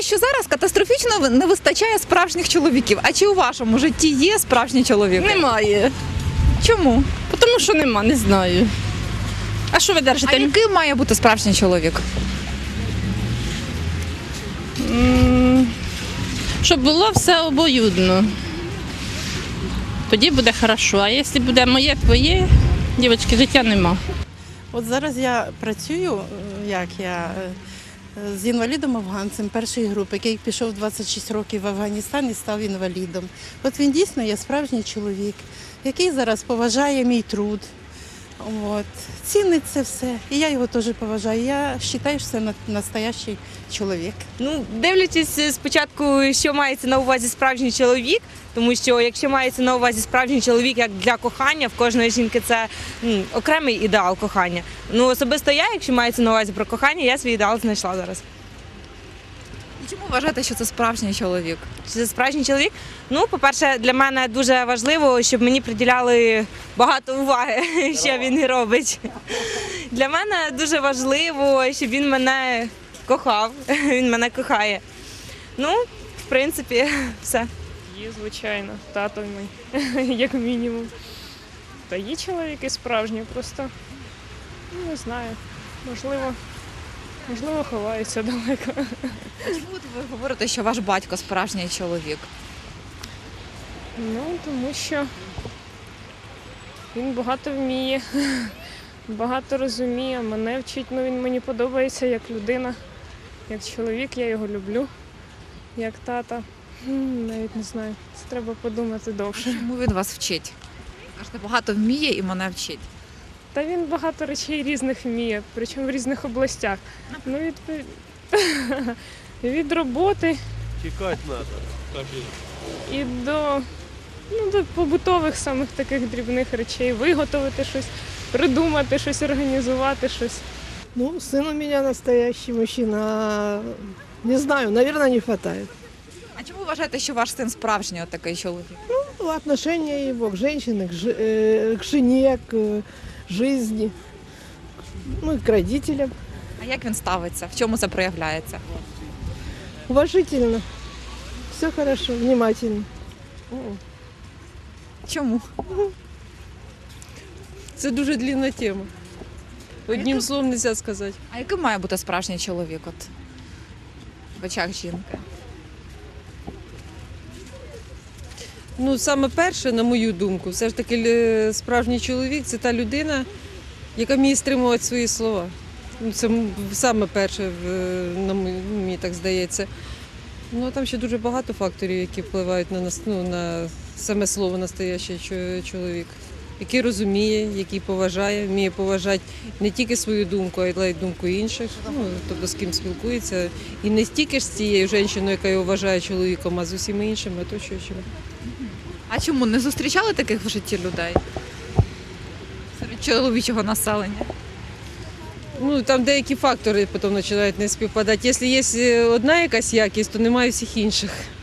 що зараз катастрофічно не вистачає справжніх чоловіків. А чи у вашому житті є справжні чоловіки? Немає. Чому? Тому що нема, не знаю. А що ви А держите? яким має бути справжній чоловік? Щоб було все обоюдно. Тоді буде хорошо. А якщо буде моє, твоє, дівчатки, життя нема. От зараз я працюю, з інвалідом-афганцем першої групи, який пішов 26 років в Афганістан і став інвалідом. От він дійсно є справжній чоловік, який зараз поважає мій труд. От. Цінить це все. І я його теж поважаю. Я вважаю, що це настоящий чоловік. Ну, дивлячись спочатку, що мається на увазі справжній чоловік, тому що якщо мається на увазі справжній чоловік як для кохання, в кожної жінки це окремий ідеал кохання. Ну, особисто я, якщо мається на увазі про кохання, я свій ідеал знайшла зараз. І чому вважаєте, що це справжній чоловік? Чи це справжній чоловік? Ну, по-перше, для мене дуже важливо, щоб мені приділяли багато уваги, що він робить. Для мене дуже важливо, щоб він мене кохав, він мене кохає. Ну, в принципі, все. Є, звичайно, тато мій, як мінімум. Та є чоловіки справжні, просто не знаю, можливо, ховаються далеко. А чому от ви говорите, що ваш батько справжній чоловік? Ну, тому що він багато вміє, багато розуміє, мене вчить, ну він мені подобається як людина, як чоловік, я його люблю, як тата. Навіть не знаю, це треба подумати довше. Чому він вас вчить? Кажете, багато вміє і мене вчить. Та він багато речей різних вміє, причому в різних областях. Ну, від роботи Тікати треба. і до побутових самих таких дрібних речей. Виготовити щось, придумати щось, організувати щось. Ну, сын у меня настоящий мужчина. Не знаю, наверное, не хватает. А чому вважаєте, що ваш син справжній от такий чоловік? Ну, отношение его к женщине, к жене, к жизни, ну и к родителям. А як він ставиться? В чому це проявляється? Уважительно. Все хорошо, внимательно. Чому? Це дуже длінна тема. Одним словом не можна сказати. А яким має бути справжній чоловік от в очах жінки? Ну, саме перше, на мою думку, все ж таки справжній чоловік – це та людина, яка вміє стримувати свої слова. Ну, це саме перше, мені так здається. Ну, а там ще дуже багато факторів, які впливають на саме слово «настоящий чоловік», який розуміє, який поважає, вміє поважати не тільки свою думку, а й думку інших, ну, тобто з ким спілкується. І не стільки ж з цією жінкою, яка його вважає чоловіком, а з усіма іншими оточуючими. А чому не зустрічали таких в житті людей? Серед чоловічого населення? Ну, там деякі фактори потім починають не співпадати. Якщо є одна якась якість, то немає всіх інших.